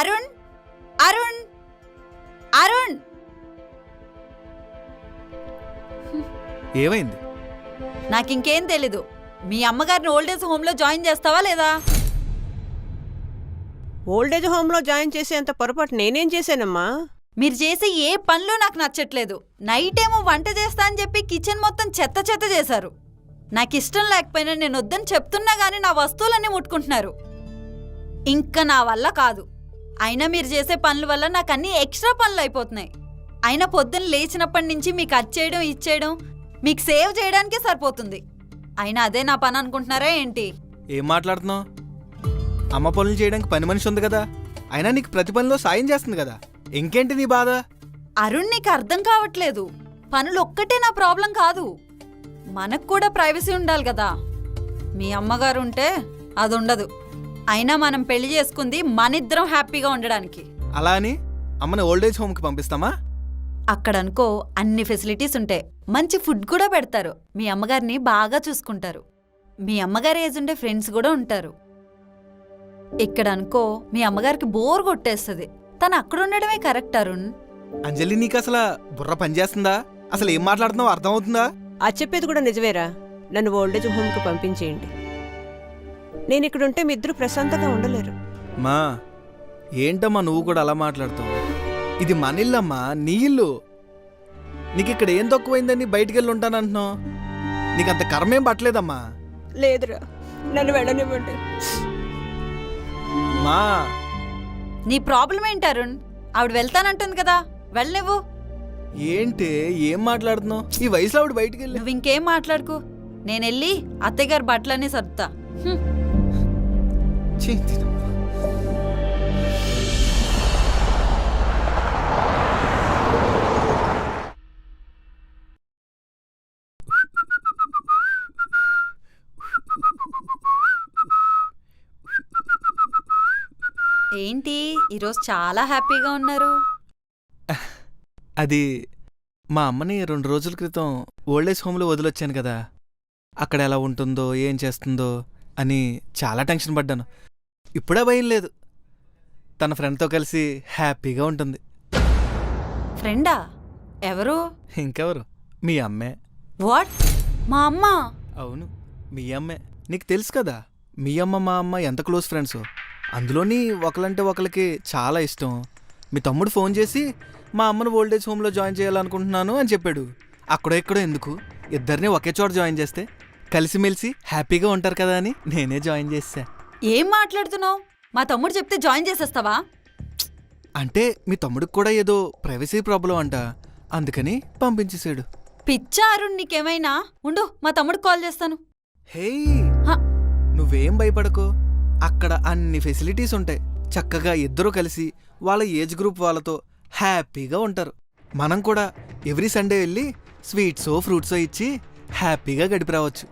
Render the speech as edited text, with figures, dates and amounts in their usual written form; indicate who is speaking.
Speaker 1: అరుణ్ అరుణ్ అరుణ్
Speaker 2: ఏమైంది?
Speaker 1: నాకింకేం తెలీదు. మీ అమ్మగారిని ఓల్డేజ్ హోమ్లో జాయిన్ చేస్తావా లేదా?
Speaker 3: ఓల్డేజ్ హోమ్లో జాయిన్ చేసేంత పొరపాటు నేనేం చేశానమ్మా?
Speaker 1: మీరు చేసే ఏ పనులు నాకు నచ్చట్లేదు. నైట్ ఏమో వంట చేస్తా అని చెప్పి కిచెన్ మొత్తం చెత్త చెత్త చేశారు. నాకు ఇష్టం లేకపోయినా నేను వద్దని చెప్తున్నా గానీ నా వస్తువులన్నీ ముట్టుకుంటున్నారు. ఇంకా నా వల్ల కాదు. అయినా మీరు చేసే పనుల వల్ల నాకు అన్ని ఎక్స్ట్రా పనులు అయిపోతున్నాయి. అయినా పొద్దున్న లేచినప్పటి నుంచి మీకు అచ్చేయడం ఇచ్చేయడం మీకు సేవ్ చేయడానికే సరిపోతుంది. అయినా అదే నా పని అనుకుంటున్నారా ఏంటి?
Speaker 2: ఏం మాట్లాడుతున్నావు? అమ్మ పనులు చేయడానికి పని మనిషి ఉంది కదా, అయినా నీకు ప్రతి పనిలో సాయం చేస్తుంది కదా, ఇంకేంటి నీ బాధ?
Speaker 1: అరుణ్, నీకు అర్థం కావట్లేదు. పనులు ఒక్కటే నా ప్రాబ్లం కాదు. మనకు కూడా ప్రైవసీ ఉండాలి కదా. మీ అమ్మగారు ఉంటే అది ఉండదు. అయినా మనం పెళ్లి చేసుకుంది మనిద్దరం హ్యాపీగా ఉండడానికి.
Speaker 2: అలా అని అమ్మని ఓల్డేజ్ హోమ్కి పంపిస్తామా?
Speaker 1: అక్కడనుకో అన్ని ఫెసిలిటీస్ ఉంటాయి. మంచి ఫుడ్ కూడా పెడతారు. మీ అమ్మగారిని బాగా చూసుకుంటారు. మీ అమ్మగారి ఏజ్ ఉండే ఫ్రెండ్స్ కూడా ఉంటారు. ఇక్కడ అనుకో మీ అమ్మగారికి బోర్ కొట్టేస్తుంది. తను అక్కడ ఉండడమే కరెక్ట్ అరుణ్.
Speaker 2: అంజలి, నీకు అసలు బుర్ర పనిచేస్తుందా? అసలు ఏం మాట్లాడుతున్నావు అర్థమవుతుందా?
Speaker 3: ఆ చెప్పేది కూడా నిజమేరా. నన్ను ఓల్డేజ్ హోమ్కి పంపించేయండి. నేను ఇక్కడుంటే మీ ఇద్దరు ప్రశాంతంగా ఉండలేరు.
Speaker 2: మా ఏంటమ్మా నువ్వు కూడా అలా మాట్లాడుతావు? ఇది మన ఇల్లమ్మా, నీ ఇల్లు. నీకు ఇక్కడ ఏం తక్కువైందని బయటికి వెళ్ళి ఉంటానంటున్నావు? నీకంత కర్మేం పట్టలేదమ్మా.
Speaker 3: లేదురా, నన్ను వెళ్ళనివ్వండి.
Speaker 2: మా
Speaker 1: నీ ప్రాబ్లం ఏంటి అరుణ్? ఆవిడ వెళ్తానంటుంది కదా, వెళ్ళనివ్వు.
Speaker 2: ఏంటి ఏం మాట్లాడుతున్నావు? ఈ వయసులో ఆవిడ బయటికి వెళ్ళి
Speaker 1: నువ్వు ఇంకేం మాట్లాడుకో. నేనెళ్ళి అత్తయ్యగారి బట్టలన్నీ సర్దుతా.
Speaker 2: ఛీ,
Speaker 1: ఏంటి ఈరోజు చాలా హ్యాపీగా ఉన్నారు?
Speaker 2: అది మా అమ్మని 2 రోజుల క్రితం ఓల్డేజ్ హోమ్లో వదిలొచ్చాను కదా, అక్కడ ఎలా ఉంటుందో ఏం చేస్తుందో అని చాలా టెన్షన్ పడ్డాను. ఇప్పుడే భయం లేదు. తన ఫ్రెండ్తో కలిసి హ్యాపీగా ఉంటుంది.
Speaker 1: ఫ్రెండా? ఎవరు?
Speaker 2: ఇంకెవరు, మీ అమ్మే.
Speaker 1: వాట్? మా అమ్మ?
Speaker 2: అవును, మీ అమ్మే. నీకు తెలుసు కదా మీ అమ్మ మా అమ్మ ఎంత క్లోజ్ ఫ్రెండ్స్. అందులోని ఒకలంటే ఒకరికి చాలా ఇష్టం. మీ తమ్ముడు ఫోన్ చేసి మా అమ్మను ఓల్డేజ్ హోమ్లో జాయిన్ చేయాలనుకుంటున్నాను అని చెప్పాడు. అక్కడో ఎక్కడో ఎందుకు, ఇద్దరిని ఒకే చోట జాయిన్ చేస్తే కలిసిమెలిసి హ్యాపీగా ఉంటారు కదా అని నేనే జాయిన్ చేశా.
Speaker 1: ఏం మాట్లాడుతున్నావు? మా తమ్ముడు చెప్తే జాయిన్ చేసేస్తావా?
Speaker 2: అంటే మీ తమ్ముడికి కూడా ఏదో ప్రైవసీ ప్రాబ్లం అంట, అందుకని పంపించేశాడు.
Speaker 1: పిచ్చా అరుణ్, నీకేమైనా? ఉండు, మా తమ్ముడికి కాల్ చేస్తాను.
Speaker 2: హేయ్,
Speaker 1: హ.
Speaker 2: నువ్వేం భయపడకో. అక్కడ అన్ని ఫెసిలిటీస్ ఉంటాయి. చక్కగా ఇద్దరూ కలిసి వాళ్ళ ఏజ్ గ్రూప్ వాళ్ళతో హ్యాపీగా ఉంటారు. మనం కూడా ఎవ్రీ సండే వెళ్ళి స్వీట్సో ఫ్రూట్సో ఇచ్చి హ్యాపీగా గడిపి రావచ్చు.